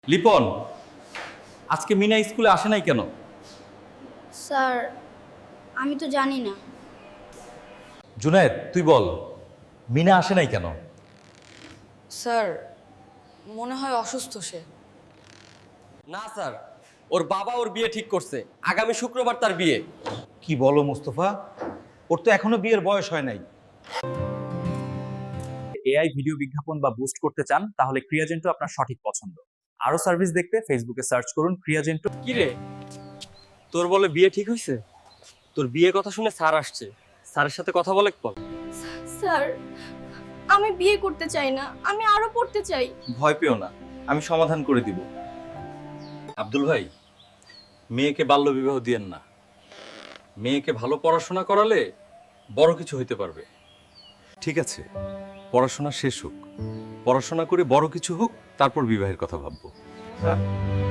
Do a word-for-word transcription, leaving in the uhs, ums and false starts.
লিপন, আজকে মিনা স্কুলে আসে নাই কেন? স্যার আমি তো জানি না। জুনায়েদ, তুই বল, মিনা আসে নাই কেন? স্যার মনে হয় অসুস্থ সে। না স্যার, ওর বাবা ওর বিয়ে ঠিক করছে, আগামী শুক্রবার তার বিয়ে। কি বলো মোস্তফা, ওর তো এখনো বিয়ের বয়স হয় নাই। এআই ভিডিও বিজ্ঞাপন বা বুস্ট করতে চান তাহলে ক্রিয়াজেন্টো আপনার সঠিক পছন্দ। আরো সার্ভিস দেখতে ফেসবুকে সার্চ করুন ক্রিয়াজেন্টো। কি রে, তোর বলে বিয়ে ঠিক হয়েছে? তোর বিয়ে কথা শুনে স্যার আসছে, স্যারের সাথে কথা বলে বল। স্যার আমি বিয়ে করতে চাই না, আমি আরো পড়তে চাই। ভয় পেও না, আমি সমাধান করে দিব। আব্দুল ভাই, মেয়েকে বাল্য বিবাহ দিয়েন না। মেয়েকে ভালো পড়াশোনা করালে বড় কিছু হইতে পারবে। ঠিক আছে, পড়াশোনা শেষ হোক, পড়াশোনা করে বড় কিছু হোক, তারপর বিবাহের কথা ভাববো।